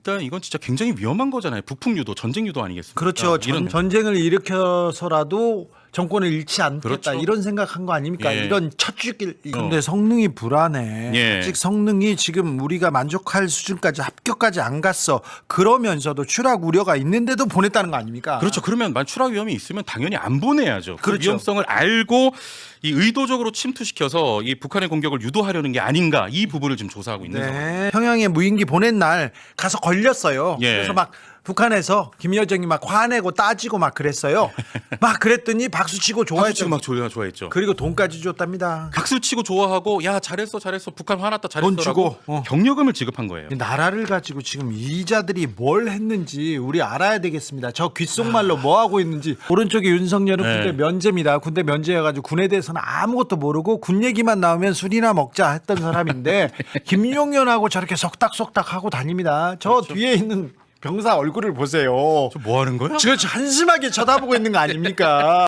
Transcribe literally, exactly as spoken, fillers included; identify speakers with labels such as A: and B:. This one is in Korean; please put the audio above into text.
A: 일단 이건 진짜 굉장히 위험한 거잖아요. 북풍 유도, 전쟁 유도 아니겠습니까?
B: 그렇죠. 전,
A: 이런
B: 전쟁을 일으켜서라도 정권을 잃지 않겠다
A: 그렇죠.
B: 이런 생각한 거 아닙니까?
A: 예.
B: 이런 첫 죽일. 근데
A: 어.
B: 성능이 불안해.
A: 예.
B: 아직 성능이 지금 우리가 만족할 수준까지 합격까지 안 갔어. 그러면서도 추락 우려가 있는데도 보냈다는 거 아닙니까?
A: 그렇죠. 그러면 만 추락 위험이 있으면 당연히 안 보내야죠. 그
B: 그렇죠.
A: 위험성을 알고 이 의도적으로 침투시켜서 이 북한의 공격을 유도하려는 게 아닌가 이 부분을 지금 조사하고 있는 상황입니다.
B: 네. 평양에 무인기 보낸 날 가서 걸렸어요.
A: 예.
B: 그래서 막 북한에서 김여정이 막 화내고 따지고 막 그랬어요. 막 그랬더니 박수치고
A: 박수
B: 좋아했죠.
A: 치고 막 좋아 좋아했죠.
B: 그리고 돈까지 줬답니다.
A: 박수 치고 좋아하고 야 잘했어 잘했어 북한 화났다
B: 돈
A: 잘했어라고
B: 주고, 어.
A: 경력금을 지급한 거예요.
B: 나라를 가지고 지금 이자들이 뭘 했는지 우리 알아야 되겠습니다. 저 귓속말로 뭐 하고 있는지. 오른쪽에 윤석열은
A: 네.
B: 군대 면제입니다. 군대 면제여가지고 군에 대해서는 아무것도 모르고 군 얘기만 나오면 술이나 먹자 했던 사람인데 김용현하고 저렇게 속닥속닥 하고 다닙니다. 저
A: 그렇죠.
B: 뒤에 있는 병사 얼굴을 보세요.
A: 저 뭐 하는 거야?
B: 저 한심하게 쳐다보고 있는 거 아닙니까?